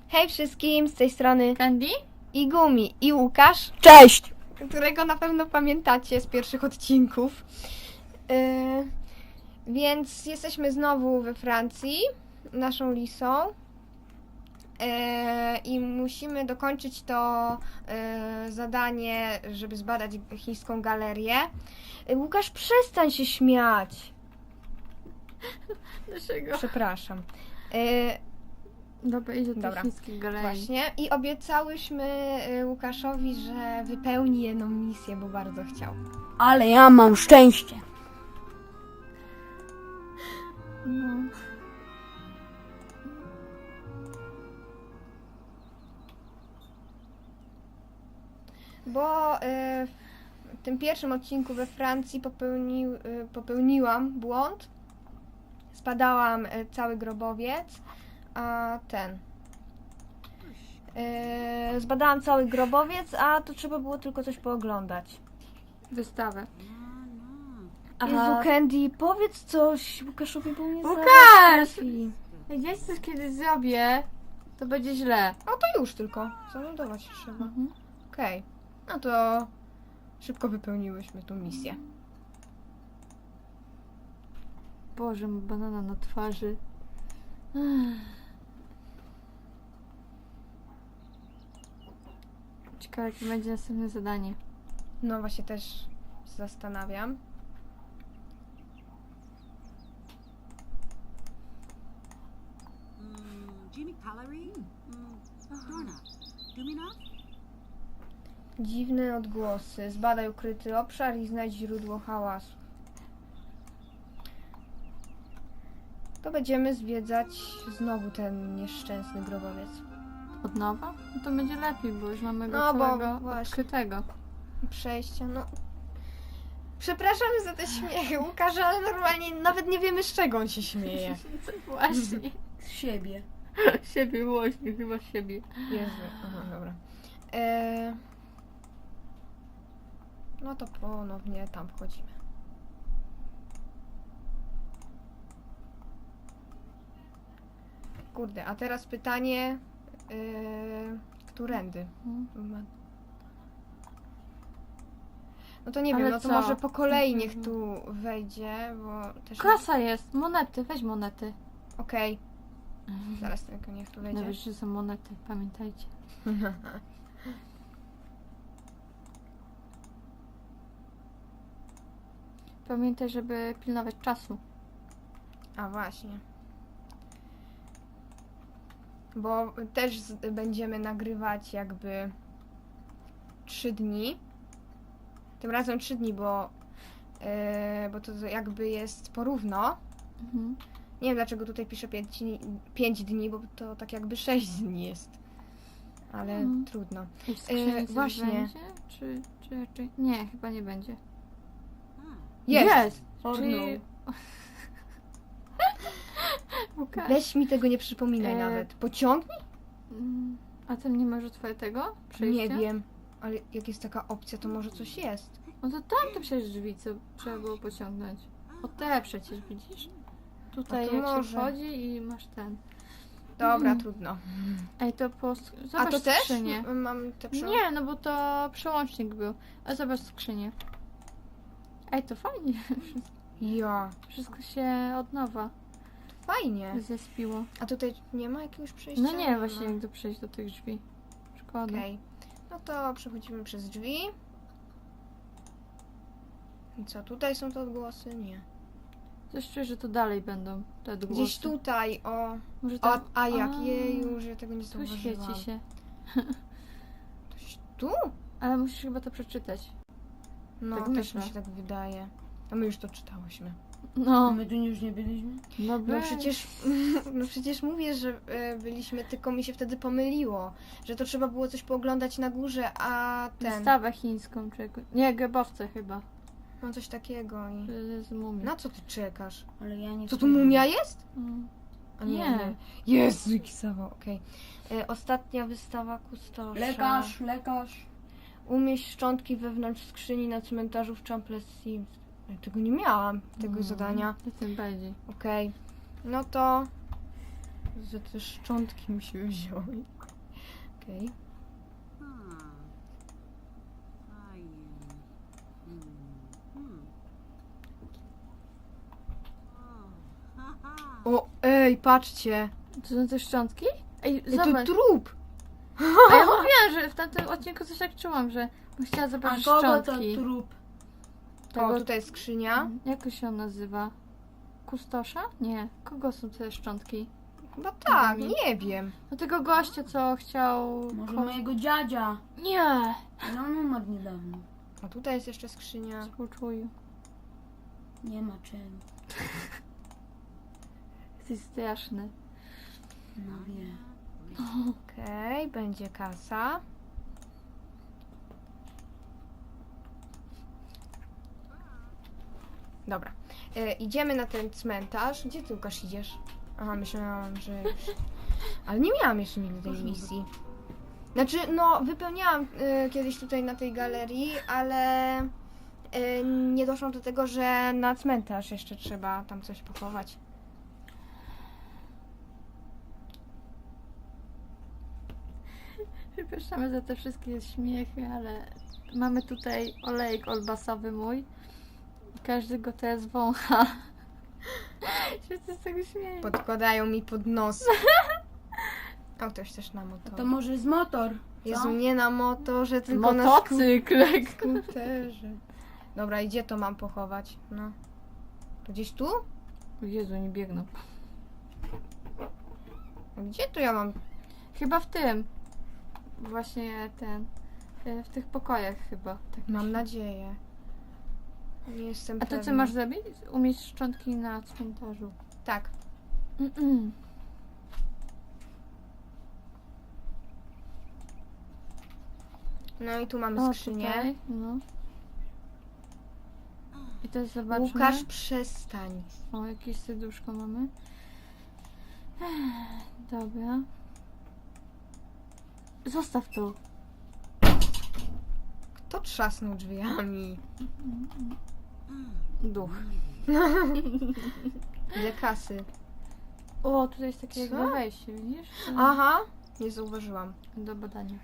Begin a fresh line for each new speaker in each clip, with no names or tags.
Hej wszystkim, z tej strony
Candy?
i Gumi i Łukasz,
Cześć!
którego na pewno pamiętacie z pierwszych odcinków. Więc jesteśmy znowu we Francji, naszą Lisą. I musimy dokończyć to zadanie, żeby zbadać chińską galerię. Łukasz, przestań się śmiać.
Dlaczego?
Przepraszam.
Dobra, idź do tej
Dobra.
chińskiej galerii.
Właśnie. I obiecałyśmy Łukaszowi, że wypełni jedną misję, bo bardzo chciał.
Ale ja mam szczęście.
No.
Bo w tym pierwszym odcinku we Francji popełniłam błąd. Spadałam cały grobowiec, a zbadałam cały grobowiec, a to trzeba było tylko coś pooglądać.
Wystawę.
Jezu, Candy, powiedz coś Łukaszowi, bo mnie
Łukasz!
zaraz trafi.
Jak ja coś kiedyś zrobię, to będzie źle.
O, to już tylko. Zameldować trzeba. Okej. No to szybko wypełniłyśmy tą misję.
Boże, ma banana na twarzy. Ciekawe, jakie będzie następne zadanie.
No właśnie też zastanawiam.
Jimmy Calorie? Dorna. Dumina?
Dziwne odgłosy. Zbadaj ukryty obszar i znajdź źródło hałasu. To będziemy zwiedzać znowu ten nieszczęsny grobowiec.
Od nowa? No to będzie lepiej, bo już mamy go
No, bo
całego
właśnie.
odkrytego.
Przejścia, no. Przepraszamy za te śmiechy, Łukasz, ale normalnie nawet nie wiemy, z czego on się śmieje.
Właśnie.
Z siebie.
Siebie właśnie, chyba siebie.
Jezu, aha, dobra. No to ponownie tam wchodzimy. Kurde, a teraz pytanie, którędy? No to nie
Ale
wiem, no to
co?
może po kolei niech tu wejdzie, bo też...
Kasa jest! Monety, weź monety.
Okej, zaraz tylko niech tu wejdzie.
Nawet, że są monety, pamiętajcie. Pamiętaj, żeby pilnować czasu.
A właśnie. Bo też będziemy nagrywać jakby 3 dni. Tym razem 3 dni, bo to jakby jest porówno.
Mhm.
Nie wiem dlaczego tutaj piszę 5 dni, bo to tak jakby 6 dni jest. Ale trudno.
I w skrzyni coś
właśnie.
będzie? Czy raczej... Nie, chyba nie będzie.
Jest!
Czyli... Łukasz.
Weź mi tego nie przypominaj nawet. Pociągnij?
A tam nie masz otwartego przejścia?
Nie wiem. Ale jak jest taka opcja, to może coś jest.
No to tam to przecież drzwi, co trzeba było pociągnąć. O te przecież, widzisz? Tutaj
A to
jak
może.
się wchodzi i masz ten.
Dobra, trudno.
Ej, to po...
A
Zobacz
to też?
skrzynię.
Mam te
Nie, no bo to przełącznik był. A zobacz skrzynię. Ej, to fajnie.
Ja.
Wszystko się od nowa
Fajnie.
zespiło.
A tutaj nie ma jakiegoś przejścia?
No nie, właśnie jak to przejść do tych drzwi. Szkoda.
Okej. No to przechodzimy przez drzwi. I co, tutaj są te odgłosy? Nie.
Coś czuję, że to dalej będą te odgłosy.
Gdzieś tutaj, o.
Może
O,
tam...
a jak? Jeju, że ja tego nie
Tu
zauważyłam.
świeci się.
Coś tu?
Ale musisz chyba to przeczytać.
No,
Tak
też
myślę.
mi się tak wydaje. A my już to czytałyśmy.
No.
My tu już nie byliśmy?
No,
No przecież, no przecież mówię, że byliśmy, tylko mi się wtedy pomyliło, że to trzeba było coś pooglądać na górze, a ten,
Wystawę chińską czy jakoś... Nie, grobowce chyba.
no coś takiego i...
Z mumią.
Na co ty czekasz?
Ale ja nie
Co tu mumia jest?
Mm.
A
Nie.
Jezu, jaki zawał, okej. Ostatnia wystawa kustosza.
Lekarz.
Umieść szczątki wewnątrz skrzyni na cmentarzu w Champlessy. Ja tego nie miałam, tego zadania.
To tym bardziej.
Okej. No to Że te szczątki musimy wziąć. Okej. O, ej, patrzcie.
To są te szczątki? Ej,
Ej, to
zobacz.
trup.
A ja mówiłam, że w tamtym odcinku coś tak czułam, że bym chciała
A
zobaczyć
kogo to
szczątki.
trup?
Tego-
O, tutaj jest skrzynia.
Jak to się on nazywa? Kustosza? Nie. Kogo są te szczątki?
Chyba tak,
mi.
nie wiem.
No tego gościa, co chciał...
Może mojego dziadzia.
Nie!
Ale on umarł niedawno.
A tutaj jest jeszcze skrzynia.
Współczuję.
Nie ma czego.
Jesteś straszny.
No wie.
Okej, będzie kasa. Dobra. Idziemy na ten cmentarz. Gdzie ty, Łukasz, idziesz? Aha, myślałam, że już... Ale nie miałam jeszcze nigdy tej misji. Znaczy, no, wypełniałam kiedyś tutaj na tej galerii, ale nie doszłam do tego, że na cmentarz jeszcze trzeba tam coś pochować.
Przepraszamy za te wszystkie śmiechy, ale mamy tutaj olejek olbasowy mój. Każdy go teraz wącha. Się z tego śmieje.
Podkładają mi pod nos. O, ktoś też na motor.
To może jest motor. Co?
Jezu, nie na motorze, tylko na
Motocykl.
skuterze. Dobra, i gdzie to mam pochować? No. To gdzieś tu?
Jezu, nie biegną.
A gdzie tu ja mam?
Chyba w tym. Właśnie ten. W tych pokojach chyba. Tak
Mam
myślę.
nadzieję. Nie jestem
A to co
pewna.
masz zrobić? Umieść szczątki na cmentarzu.
Tak.
Mm-mm.
No i tu mamy
O,
skrzynię.
tutaj, no. I teraz zobaczmy.
Łukasz, przestań.
O, jakieś serduszko mamy. Dobra. Zostaw to.
Kto trzasnął drzwiami?
Duch.
Ile kasy?
O, tutaj jest takie
Co?
jakby wejście, widzisz?
Aha, nie zauważyłam.
Do badania.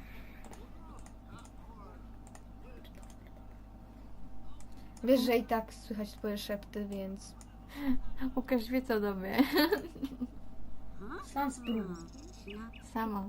Wiesz, że i tak słychać twoje szepty, więc...
Łukasz wie co do mnie.
Sam spróbuj.
Sama.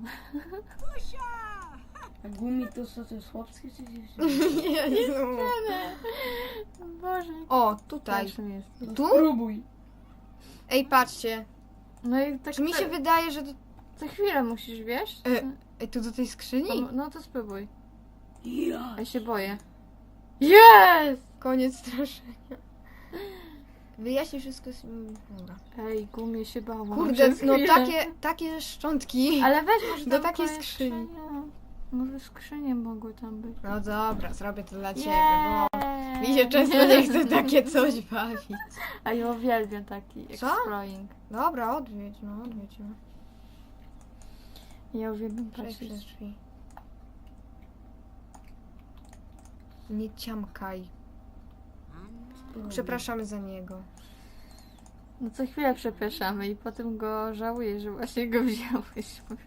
A gumi to co, to jest chłopskie czy dziewczyny?
Jezu.
Boże.
O, tutaj.
Straszny jest.
Tu?
Spróbuj.
Ej, patrzcie.
No i tak
Czy mi się wydaje, że...
co chwilę musisz, wiesz?
Ej, tu do tej skrzyni?
No to spróbuj.
Ja.
Ja się boję. Jest!
Koniec straszenia. Wyjaśnij wszystko. Dobra.
Ej, gumie się bałam.
Kurde,
Przez
no
chwilę.
takie szczątki.
Ale weź może
do
tam
takiej
kolejne
skrzyni.
Może skrzynie mogły tam być.
No dobra, zrobię to dla ciebie, bo
Jej!
mi się często nie chce takie coś bawić.
A ja uwielbiam taki
Co?
exploring.
Dobra, odwiedź, no odwiedź. No.
Ja uwielbiam
Przejdź
patrzeć.
przez drzwi. Nie ciamkaj. Przepraszamy za niego.
No co chwilę przepraszamy i potem go żałuję, że właśnie go wzięłyśmy.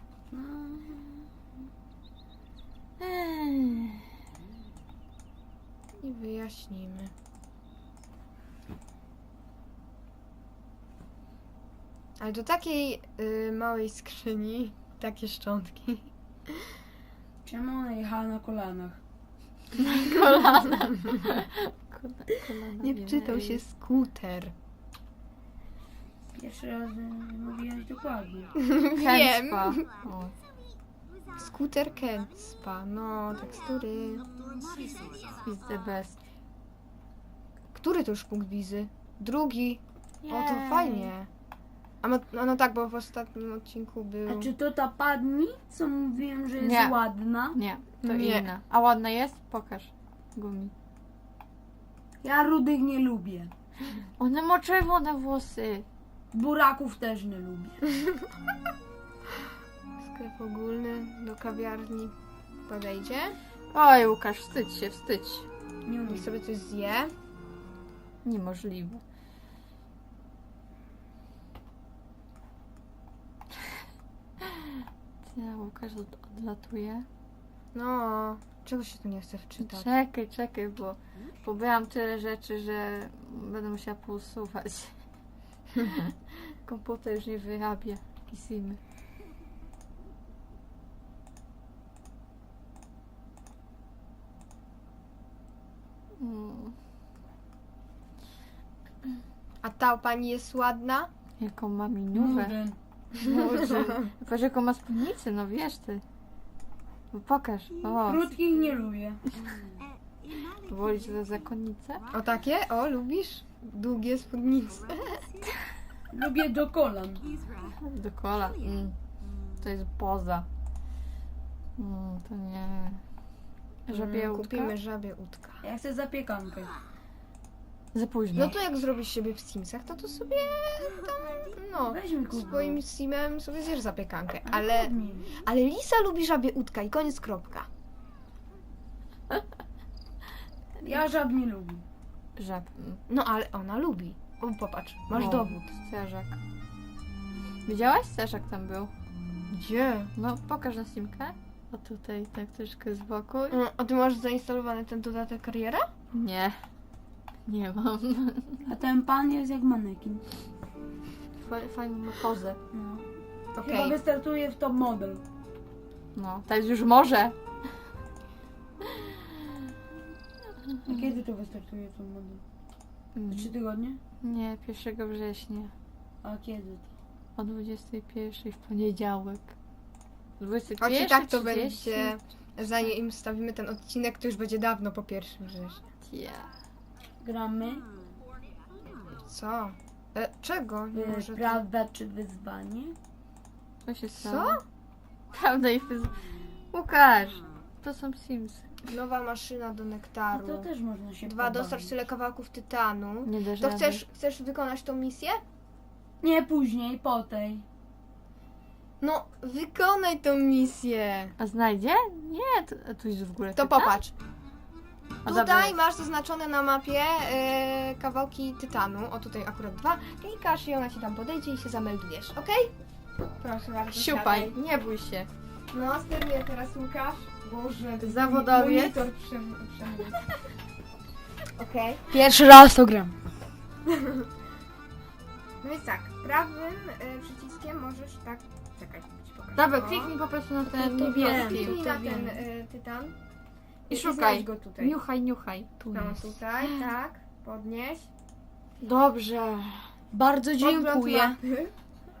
I wyjaśnimy. Ale do takiej małej skrzyni takie szczątki.
Czemu ona jechała na kolanach?
Kolana. Kolana
Nie
wiem,
wczytał
ej.
się skuter.
Pierwszy raz mówiłaś dokładnie.
Wiem.
Kęspa. O.
Skuter Kęspa, no tekstury.
Is the best.
Który to już punkt wizy? Drugi. O, to
Jej.
fajnie. A no tak, bo w ostatnim odcinku był...
A czy to ta padni, co mówiłem, że jest
Nie.
ładna?
Nie, to
Nie.
inna. A ładna jest? Pokaż. Gumi.
Ja rudych nie lubię.
Ona ma czerwone włosy.
Buraków też nie lubię.
Sklep ogólny do kawiarni podejdzie.
Oj, Łukasz, wstydź się, wstydź.
Nie umiem.
Niech sobie coś zje.
Niemożliwe. Ja, Łukasz odlatuje.
No, czego się tu nie chce wczytać?
Czekaj, bo pobrałam tyle rzeczy, że będę musiała pousuwać. Komputer już nie wyrabia Kisimy.
A ta pani jest ładna?
Jaką ma miniówę. Patrz jaką ma spódnicę, no wiesz ty. No pokaż. O,
Krótkich nie lubię.
wolisz za zakonnicę?
O takie? O, lubisz? Długie spódnice.
Lubię do kolan.
Do kolan. To jest poza. To nie. Żabie łódka?
Kupimy żabie łódka.
Ja chcę zapiekankę.
Za późno.
No to jak zrobisz siebie w Simsach, to sobie tam, no,
Weźmy kup.
swoim Simem sobie zjesz zapiekankę. Ale Lisa lubi żabie łódka i koniec, kropka.
Ja żab nie lubię.
Żab.
No ale ona lubi. O, popatrz, masz
O,
dowód.
Strażak. Widziałaś? Strażak tam był.
Gdzie?
No, pokaż na simkę. O tutaj, tak troszkę z boku.
A ty masz zainstalowany ten dodatek kariera?
Nie. Nie mam.
A ten pan jest jak manekin.
Fajną pozę.
No.
Okej.
Chyba wystartuje w top model.
No, teraz już może.
A kiedy to wystartuje top model? 3 tygodnie?
Nie, 1 września.
A kiedy to?
O 21 w poniedziałek. 21,
Choć i tak to
30?
będzie, zanim wstawimy ten odcinek, to już będzie dawno po 1 września.
Yeah.
Gramy.
Co? Czego? Nie może
Prawda czy wyzwanie?
Co się
Co?
stało? Prawda i Łukasz, to są Sims.
Nowa maszyna do
No
nektaru.
to też można się
2,
pobawić.
dostarcz tyle kawałków tytanu.
Nie dasz
To
rady.
chcesz wykonać tą misję?
Nie później, po tej.
No, wykonaj tą misję.
A znajdzie? Nie, tu jest w górę.
To
tytan?
popatrz.
O,
Tutaj
dobra.
masz zaznaczone na mapie kawałki tytanu. O, tutaj akurat 2. Klikasz i ona ci tam podejdzie i się zameldujesz, okej? Proszę bardzo.
Siupaj,
siadaj.
nie bój się.
No, steruję teraz Łukasz. Boże, to
Zawodowiec.
monitor Okej.
Pierwszy raz to gram.
No więc tak, prawym przyciskiem możesz tak... Czekaj, ci pokażę.
Dobra,
O.
kliknij po prostu na ten
to
niebieski.
wiem.
Kliknij
to
na
wiem.
ten tytan.
I
znajdź
szukaj.
go tutaj.
Niuchaj. Tu
No,
jest.
tutaj, tak. Podnieś.
Dobrze.
Bardzo
Podgląd
dziękuję.
mapy.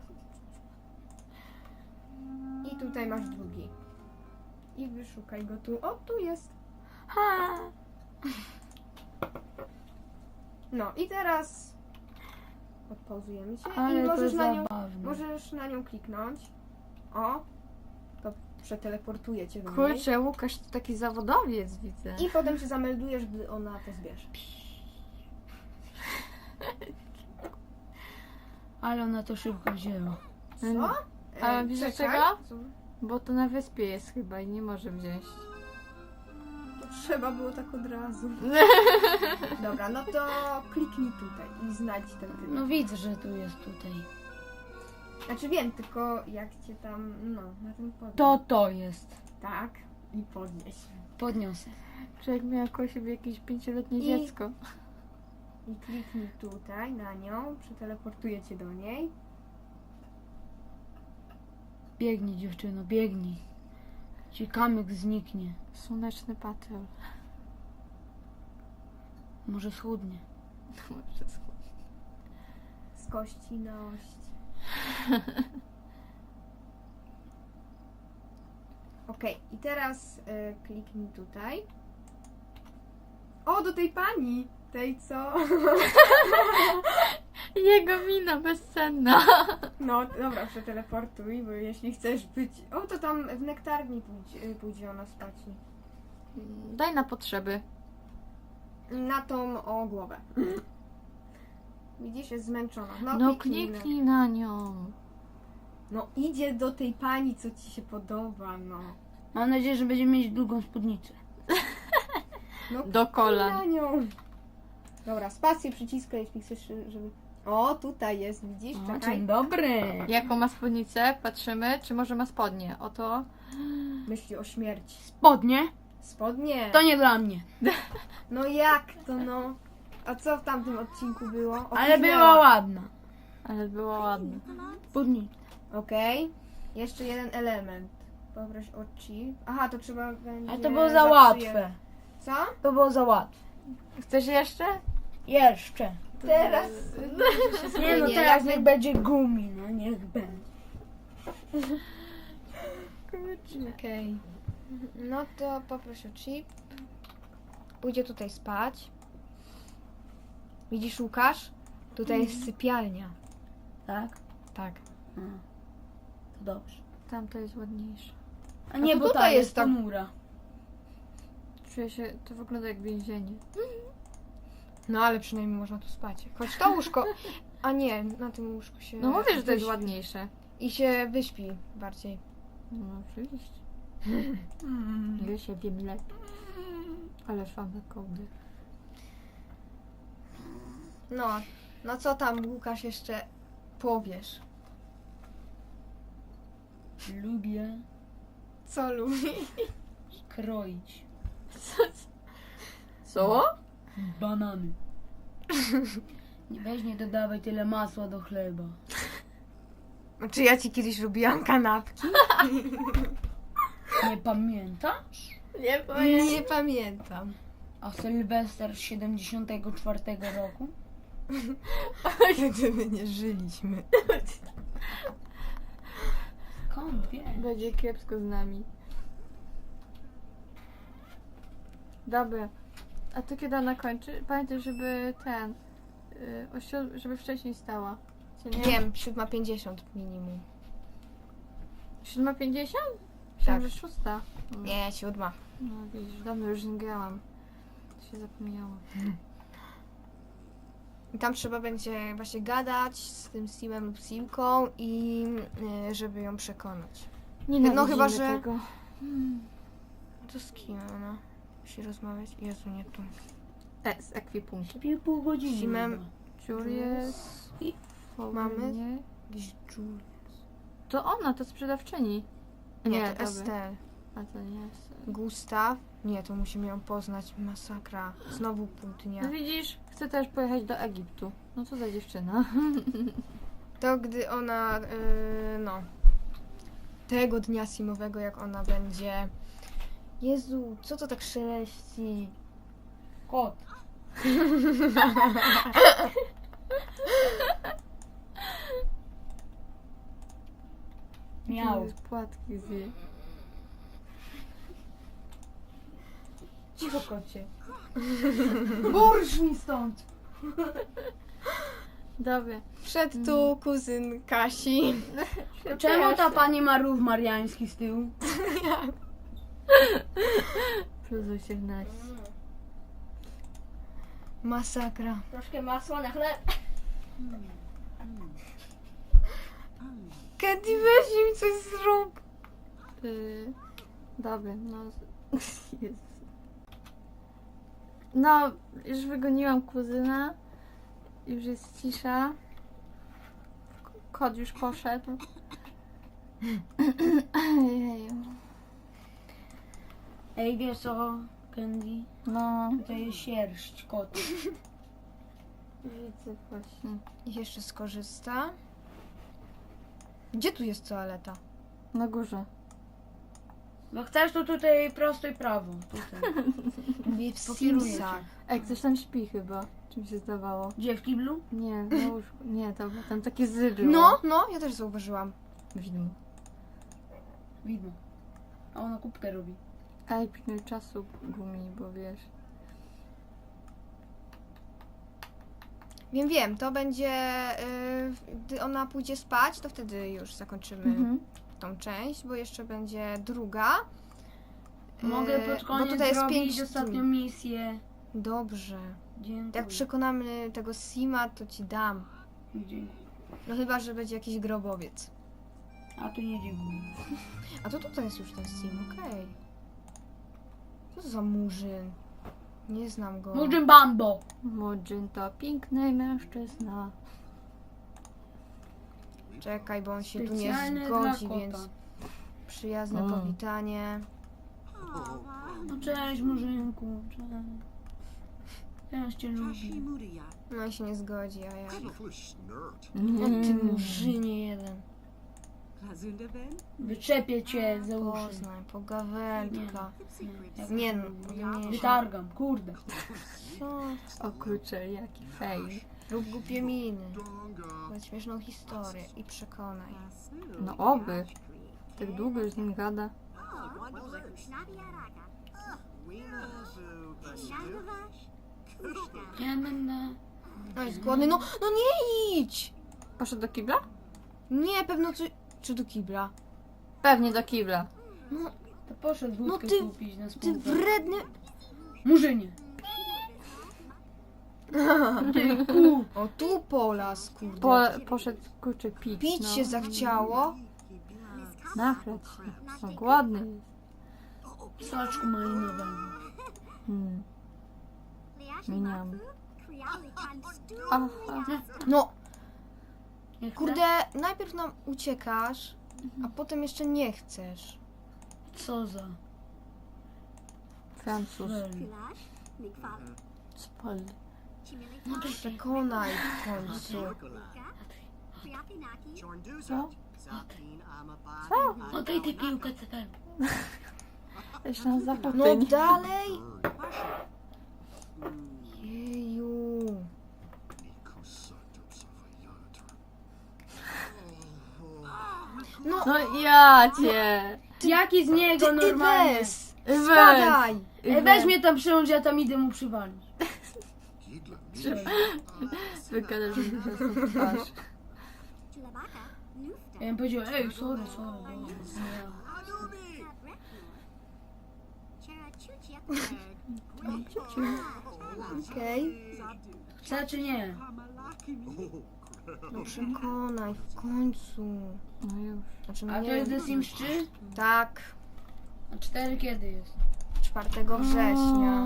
I tutaj masz drugi. I wyszukaj go tu. O, tu jest.
Ha.
No i teraz odpauzujemy cię
Ale
i
to
możesz
zabawne.
możesz na nią kliknąć. O, to przeteleportuje cię do niej.
Kurczę, Łukasz to taki zawodowiec widzę.
I potem się zameldujesz, gdy ona to zbierze.
Ale ona to szybko wzięła.
Co?
A wiesz
czekaj.
dlaczego?
Co?
Bo to na wyspie jest chyba i nie może wziąć.
To trzeba było tak od razu. Dobra, no to kliknij tutaj i znajdź ten tytuł.
No widzę, że tu jest tutaj.
Znaczy wiem, tylko jak cię tam, no, na tym podnieś.
To jest.
Tak, i podnieś.
Podniosę.
Człowiek miał koło siebie jakieś 5-letnie
I-
dziecko.
I kliknij tutaj na nią, przeteleportuje cię do niej.
Biegnij dziewczyno, biegnij. Ci kamyk zniknie.
Słoneczny patrol.
Może schudnie.
Z kości na ość. Okej, i teraz kliknij tutaj. O, do tej pani! Tej co?
Jego mina bezcenna.
No, dobra, przeteleportuj, bo jeśli chcesz być... O, to tam w nektarni pójdzie ona spać.
Daj na potrzeby.
Na tą o głowę. Widzisz, jest zmęczona.
No
kliknij.
kliknij na nią.
No idzie do tej pani, co ci się podoba, no.
Mam nadzieję, że będziemy mieć długą spódnicę.
No
Do kolan.
na nią. Dobra, spację przyciskaj, jeśli chcesz, żeby... O, tutaj jest, widzisz?
O,
Czekaj.
dzień dobry.
Jaką ma spódnicę? Patrzymy, czy może ma spodnie. Oto.
Myśli o śmierci.
Spodnie?
Spodnie.
To nie dla mnie.
No jak to no? A co w tamtym odcinku było?
Ale
Opóźniała.
była ładna.
Ale było ładne.
Spódnica.
Okej. Jeszcze jeden element. Poproś o chip. Aha, to trzeba będzie...
Ale to było za łatwe.
zaprzyje- Co?
To było za łatwe.
Chcesz jeszcze?
Jeszcze.
Teraz...
Nie no, teraz niech będzie gumi, no niech będzie.
Okej. No to poproś o chip. Pójdzie tutaj spać. Widzisz, Łukasz? Tutaj jest sypialnia.
Tak?
Tak.
To dobrze.
Tamto jest ładniejsze.
A nie,
to
bo
tutaj
ta
jest
jest
tak-
ponura.
Czuję się, to wygląda jak więzienie.
No ale przynajmniej można tu spać. Choć to łóżko... A nie, na tym łóżku się...
No mówię, że to jest
wyśpi.
ładniejsze.
I się wyśpi bardziej.
No oczywiście. Ja się wiem lepiej. Ale same kołdy.
No, no co tam, Łukasz, jeszcze powiesz?
Lubię
Co lubi?
kroić
Co?
banany. Weź nie dodawaj tyle masła do chleba.
Znaczy ja ci kiedyś robiłam kanapki?
Nie pamiętasz?
Nie
Nie pamiętam.
A Sylwester z 74 roku?
Gdyby nie żyliśmy.
Skąd wiesz?
Będzie kiepsko z nami. Dobra. A to kiedy ona kończy? Pamiętaj, żeby ten... żeby wcześniej stała. Co nie?
Wiem, 7:50 minimum.
7:50?
Tak.
Myślałam, że 6.
Nie, 7.
No widzisz, dawno już nie grałam. To się zapomniało.
I tam trzeba będzie właśnie gadać z tym Simem lub Simką i żeby ją przekonać.
Nie
chyba, że-
tego.
To z kim ona musi rozmawiać? Jezu, nie tu.
Z ekwipunkiem.
Śpię pół godziny.
Simem-
chyba.
Julius.
I
Mamy?
Nie.
Jakiś Jules.
To ona, to sprzedawczyni.
Nie, to
dobra.
Estelle.
A to nie jest.
Gustaw. Nie, to musimy ją poznać. Masakra. Znowu pół dnia.
No widzisz, chcę też pojechać do Egiptu. No co za dziewczyna.
To gdy ona, no, tego dnia simowego, jak ona będzie... Jezu, co to tak szeleści?
kot. Miał.
Płatki zje.
Cicho, kocie. Burż mi stąd.
Dobra.
Wszedł tu kuzyn Kasi.
Czemu ta pani ma rów mariański z tyłu?
Plus 18.
Masakra.
Troszkę masła na chleb.
Candy, weź im coś zrób.
Dobra, no. Jezus. No, już wygoniłam kuzyna. Już jest cisza. Kot już poszedł. Jeju.
Ej, wiesz co, Candy?
No,
To jest sierść kotu.
widzę właśnie.
Niech jeszcze skorzysta. Gdzie tu jest toaleta?
Na górze.
No chcesz, to tutaj prosto i prawo. Tutaj.
W
Pokieruję cię.
Simsach.
Ej, ktoś tam śpi chyba. Czym się zdawało?
Gdzie, w kiblu?
Nie, na łóżku. Nie, dobra, tam takie zy było.
No, no, ja też zauważyłam.
Widmo.
Widmo. A ona kubkę robi.
Ej, pilnuj czasu gumi, bo wiesz.
Wiem, to będzie, gdy ona pójdzie spać, to wtedy już zakończymy tą część, bo jeszcze będzie druga.
Mogę pod
bo
koniec
tutaj jest
zrobić
5
ostatnią misję.
Dobrze.
Dziękuję.
Jak przekonamy tego Sima, to ci dam.
Dziękuję.
No chyba, że będzie jakiś grobowiec.
A tu nie dziękuję.
A to tutaj jest już ten Sim, okej. Co to za murzyn? Nie znam go.
Mudzin Bambo!
Mudzin to piękny mężczyzna.
Czekaj, bo on się tu nie
Specjalne
zgodzi,
dla
więc
kota.
przyjazne powitanie.
No cześć Murzynku, cześć. Ja cię lubię.
Hashimuria.
No i się nie zgodzi, a ja...
Tieflish nerd.
No ty murzynie jeden.
Lazundaben.
Wyczepię cię za uszy.
Poznań, pogawędka.
Jak
Nie no, nie.
Wytargam, kurde.
Co?
O kurczę, jaki fail.
Rób głupie miny.
Donga.
Powiedz śmieszną historię i przekonaj.
No oby. Tak długo już z nim gada.
Ja będę...
No jest głodny, no nie idź!
Poszedł do kibla?
Nie, pewno czy do kibla.
Pewnie do kibla.
No,
To poszedł wódkę
ty-
kupić na
ty
spółkę.
wredny...
Murzynie.
O, tu polas, kurde.
Poszedł kurczę pić.
Pić
no.
się zachciało.
Nachlać się. No głodny jest.
Soczku malinowego.
Miniam. Aha.
No,
Nie chcę?
kurde, najpierw nam uciekasz, a potem jeszcze nie chcesz.
Co za...
Francuz.
Fel.
Spal.
No to przekonaj w końcu.
Co?
Oddaj tę piłkę, CP.
Jeszcze na zachód.
No dalej! Jeju. No,
No ja cię.
Jaki z niego
ty
normalnie?
Iwes!
Iwes.
Spadaj!
Ej, weź mnie tam przyjąć, ja tam idę mu przywalić.
Wygadasz mi teraz na twarz.
Ja bym powiedział, ej, sorry. dobra, nie.
Okej.
Chce czy nie?
No przekonaj w końcu.
No już.
Znaczy, no
A to
nie
jest
wiem.
The Sims 3?
Tak,
A 4 kiedy jest?
4 września.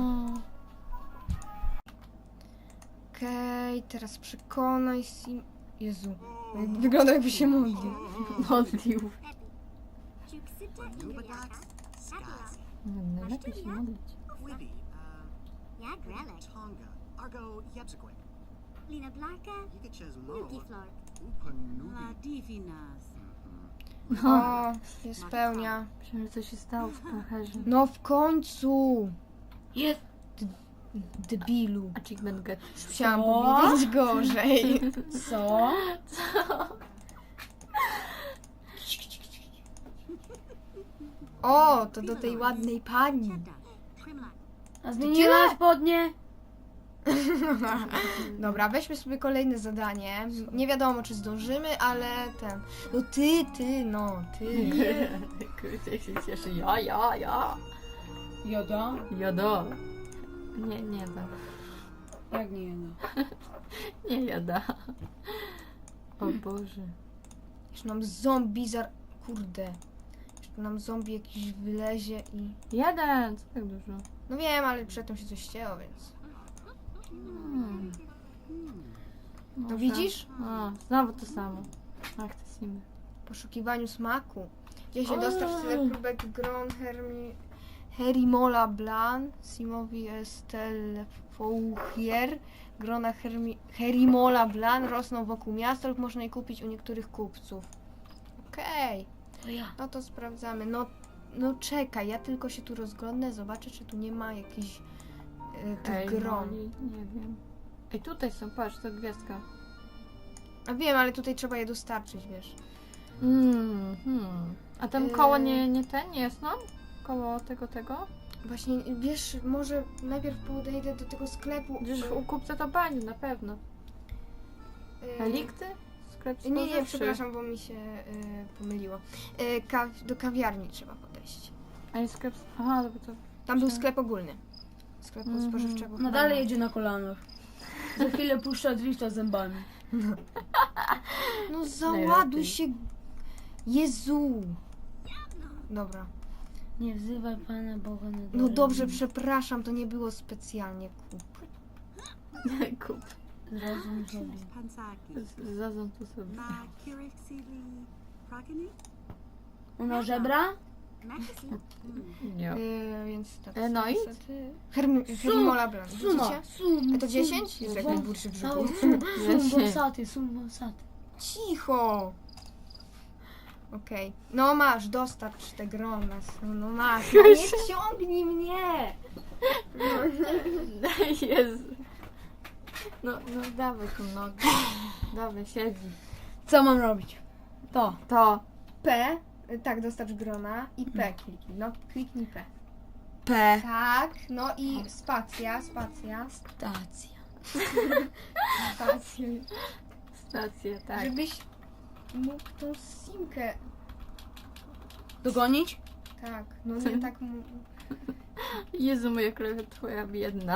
Okej, teraz przekonaj Sim... Jezu, wygląda jakby się modlił.
Modlił. Nie, lepiej się modlić.
Tonga, Argo Yepsiquit,
Lina Blanca,
Yikachas Mo,
Nukiflor.
Upanubi.
La divinas.
O, się spełnia.
Myślałem, że co się stało w pacharze.
No w końcu!
Jest.
Debilu.
Achievement get.
Chciałam
Co?
powiedzieć gorzej.
Co?
O, to do tej ładnej pani.
Primla.
A zmieniła spodnie?
Dobra, weźmy sobie kolejne zadanie. Nie wiadomo, czy zdążymy, ale ten... No ty.
Kurde, jak się cieszy. Ja.
Joda?
Jada. Nie da.
Jak nie joda?
Nie jada. O Boże.
Jeszcze nam zombie Kurde. Jeszcze nam zombie jakiś wylezie i...
Jeden! Co tak dużo?
No wiem, ale przedtem się coś ścięło, więc...
Może.
widzisz?
O, znowu to samo. Ach, te simy.
W poszukiwaniu smaku. Gdzie się
Oj.
dostać tyle próbek gron Herimola Blan, Simowi Estel Fouchier, grona Herimola Blan rosną wokół miasta lub można je kupić u niektórych kupców. Okej,
To ja.
no to sprawdzamy. No czekaj, ja tylko się tu rozglądnę, zobaczę, czy tu nie ma jakichś tych gron.
Moli, nie wiem. Ej, tutaj są, patrz, to gwiazdka.
A wiem, ale tutaj trzeba je dostarczyć, wiesz.
A tam koło nie ten, nie jest nam? Koło tego?
Właśnie, wiesz, może najpierw podejdę do tego sklepu.
Gdzieś u kupca to będzie, na pewno. Relikty? Sklep
Nie,
spożywczy.
przepraszam, bo mi się pomyliło. Do kawiarni trzeba podejść.
A jest sklep... Aha, to...
Tam był sklep ogólny. Sklepu spożywczego.
No dalej jedzie na kolanach. Za chwilę puszcza drifta zębami.
No załaduj
Najlepiej.
się. Jezu. Dobra.
Nie wzywaj Pana Boga na
No
dole.
dobrze, przepraszam, to nie było specjalnie kup.
Kup.
Zrozum sobie.
Pansaki.
Zazą tu sobie.
Ma Kirixili Prakini?
Ona żebra?
Maxi.
Nie.
Więc tak.
No i?
niestety. Hermola Blanc.
Sumo.
A to 10? Jest jak najburszy w brzuchu.
Sum wąsaty.
Cicho! Okej. No masz, dostarcz te grona. No masz. No nie ciągnij mnie!
Jezu. No dawaj tu nogę. Dawaj, siedzi.
Co mam robić? To.
To.
P. Tak, dostarcz grona. I P kliknij. No, kliknij P.
P.
Tak, no i spacja.
Stacja.
Spacja.
Stację, tak.
Żebyś mógł tą simkę.
Dogonić?
Tak, no nie tak.
Jezu, moja krew twoja biedna.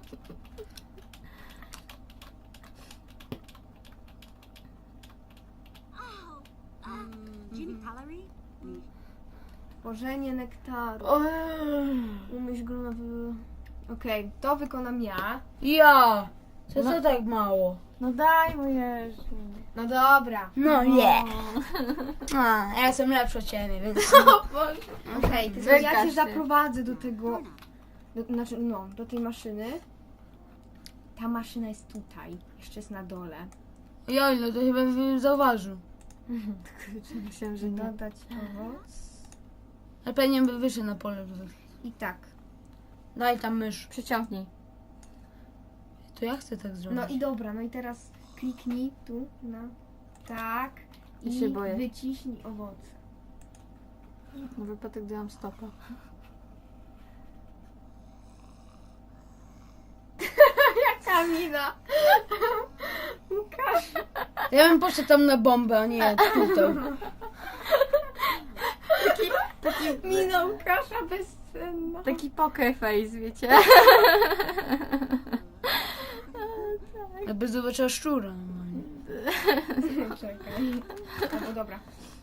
Genie Calorie?
Tworzenie nektaru. Umyśl grona w... Okej, to wykonam ja.
Ja! Co tak mało?
No daj mu Jezu.
No dobra.
No nie. A, ja jestem lepszy od ciebie, więc...
Okej, to
Wykaż
ja cię
się.
zaprowadzę do tego. Znaczy, no, do tej maszyny. Ta maszyna jest tutaj. Jeszcze jest na dole.
Ja ile to chyba bym zauważył.
Myślałam, że nie.
Dodać owoc.
Ale pewnie by wyszedł na pole.
I tak.
Daj tam mysz.
Przyciągnij.
To ja chcę tak zrobić.
No i dobra, no i teraz kliknij tu na tak
Ja
i
się boję.
wyciśnij owoce.
Na wypadek gdy mam stopa.
Kamila! Łukasz!
Ja bym poszedł tam na bombę, a nie tutaj.
Mina Łukasza bezcenna.
Taki poker face, wiecie?
Jakby zobaczyła szczura. normalnie.
Czekaj. Albo dobra.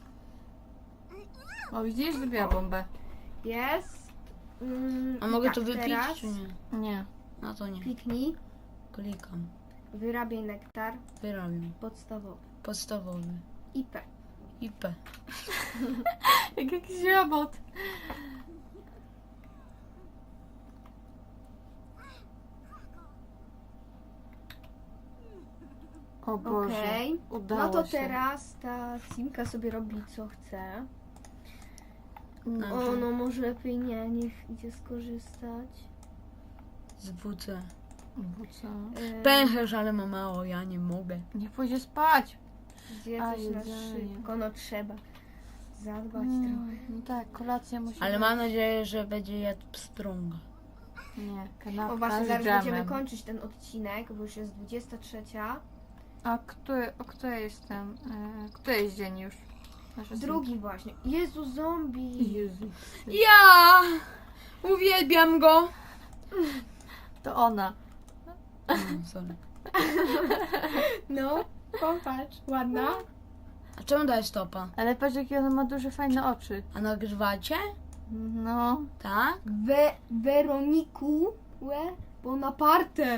O, widzisz, zrobiła bombę.
Jest.
A
i
mogę
tak,
to wypić,
teraz
czy nie?
Nie.
No to nie.
Kliknij.
Klikam.
Wyrabiaj nektar
Wyrabiam.
podstawowy.
Podstawowy.
IP.
IP.
Jak jakiś robot. O Boże.
Okej.
Udało
No to
się.
teraz ta simka sobie robi co chce.
No.
O, no może lepiej nie, niech idzie skorzystać.
Z WC.
Bo co?
Pęcherz, ale ma mało, ja nie mogę.
Nie pójdzie spać.
Zje
A,
coś na
jedzenie.
szybko, no trzeba zadbać
No,
trochę.
no tak, kolacja musi
Ale
być.
mam nadzieję, że będzie jadł pstrąga.
Nie, kanapka
O właśnie,
z
zaraz
dżemem.
będziemy kończyć ten odcinek, bo już jest 23.
A który jest ten? Który jest dzień już? Nasze
Drugi właśnie. Jezu, zombie!
Jezu.
Ja! Uwielbiam go!
To ona.
Sorry.
No, popatrz, ładna.
A czemu dałeś stopa?
Ale patrz, jakie ona ma duże, fajne oczy.
A nagrywacie?
No.
Tak?
Weroniku, Bonaparte.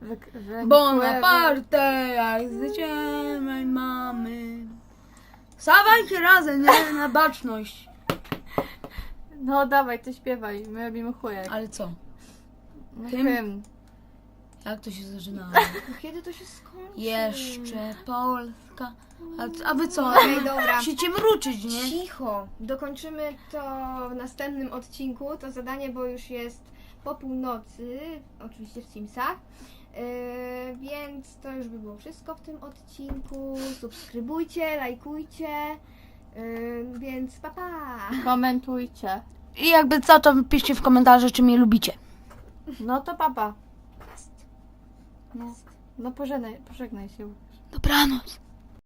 Bonaparte, jak zjedziemy mamy. Stawajcie razem, nie? Na baczność.
No dawaj, ty śpiewaj, my robimy chujek.
Ale co?
No,
hymn?
hymn.
Jak to się zaczynało?
No kiedy to się skończy?
Jeszcze Polska. A wy co?
Okej, dobra.
Musicie mruczyć, nie?
Cicho. Dokończymy to w następnym odcinku, to zadanie, bo już jest po północy, oczywiście w Simsach. Więc to już by było wszystko w tym odcinku. Subskrybujcie, lajkujcie. Więc pa pa!
Komentujcie.
I jakby co, to piszcie w komentarzu, czy mnie lubicie.
No to papa. No pożegnaj się.
Dobranoc.